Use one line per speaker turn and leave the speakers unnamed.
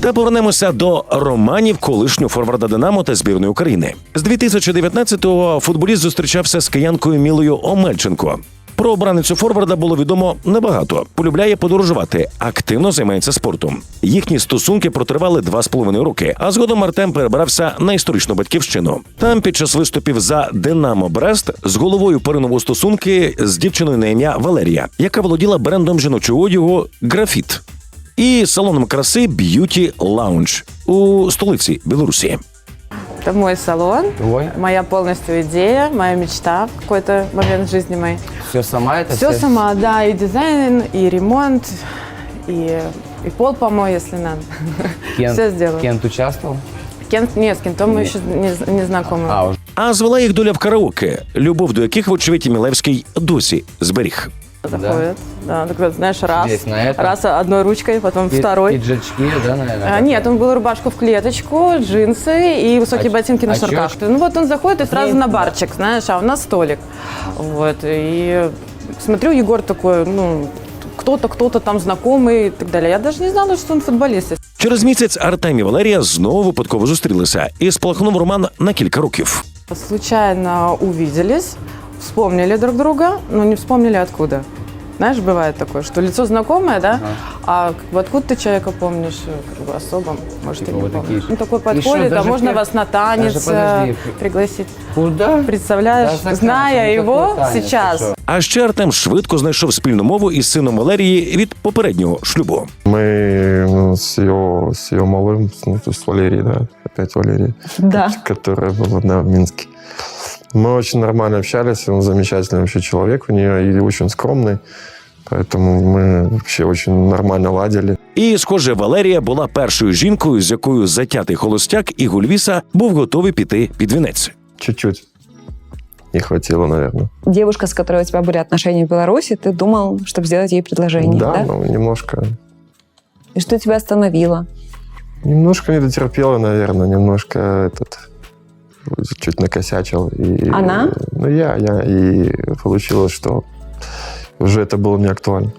Та повернемося до романів колишнього форварда «Динамо» та збірної України. З 2019-го футболіст зустрічався з киянкою Мілою Омельченко. Про обраницю форварда було відомо небагато. Полюбляє подорожувати, активно займається спортом. Їхні стосунки протривали 2,5 роки, а згодом Артем перебрався на історичну батьківщину. Там під час виступів за «Динамо Брест» з головою поринув стосунки з дівчиною на ім'я Валерія, яка володіла брендом жіночого одягу «Графіт» і салоном краси «Б'юті Лаунж» у столиці Білорусі.
Это мой салон,
Твой?
моя полностью идея, моя мечта в какой-то момент в жизни моей.
Все сама это?
Все сама, да, и дизайн, и ремонт, и пол помой, если надо. Все сделаю.
Кент участвовал?
Кент, нет, с Кентом мы еще не знакомы.
Уже.
А звела їх доля в караоке, любов до яких, вочевидь, Мілевський досі зберіг.
Заходит, да, так вот, знаешь, раз,
Здесь, на этом?
раз одной ручкой, потом второй.
Пиджачки, да, наверное?
Нет, он был рубашку в клеточку, джинсы и высокие ботинки на шнурках.
очёчки?
Ну вот он заходит и сразу на барчик, знаешь, а у нас столик. Вот, и смотрю, Егор такой, ну, кто-то там знакомый и так далее. Я даже не знала, что он футболист.
Через місяць Артем і Валерія знову випадково зустрілися і спалахнув роман на кілька років.
Случайно увиделись, вспомнили друг друга, но не вспомнили откуда. Знаешь, бывает такое, что лицо знакомое, да, а как бы откуда ты человека помнишь, как бы особо, может,
Типа
и не
вот
помнишь.
такие.
Ну, такой
И
подходит,
что,
а
даже
можно вас на танец
подожди.
пригласить.
Куда?
Представляешь,
Да, заказ,
зная
ну,
его
какой танец,
сейчас.
ты что?
А ще Артем швидко знайшов спільну мову із сином Валерії від попереднього шлюбу.
Мы с ее малым, ну, то есть Валерией, да, опять Валерий,
Да.
которая была, да, в Минске. Мы очень нормально общались, он замечательный вообще человек у нее и очень скромный, поэтому мы вообще очень нормально ладили.
І, схоже, Валерія була першою жінкою, з якою затятий холостяк Ігор Львіса був готовий піти під вінець.
Чуть-чуть не хватило, наверное.
Девушка, с которой у тебя были отношения в Беларуси, ты думал, чтобы сделать ей предложение, да?
Ну, немножко
И что тебя остановило?
Немножко не дотерпела, наверное, немножко чуть накосячил. И,
Она?
Ну, я. И получилось, что уже это было не актуально.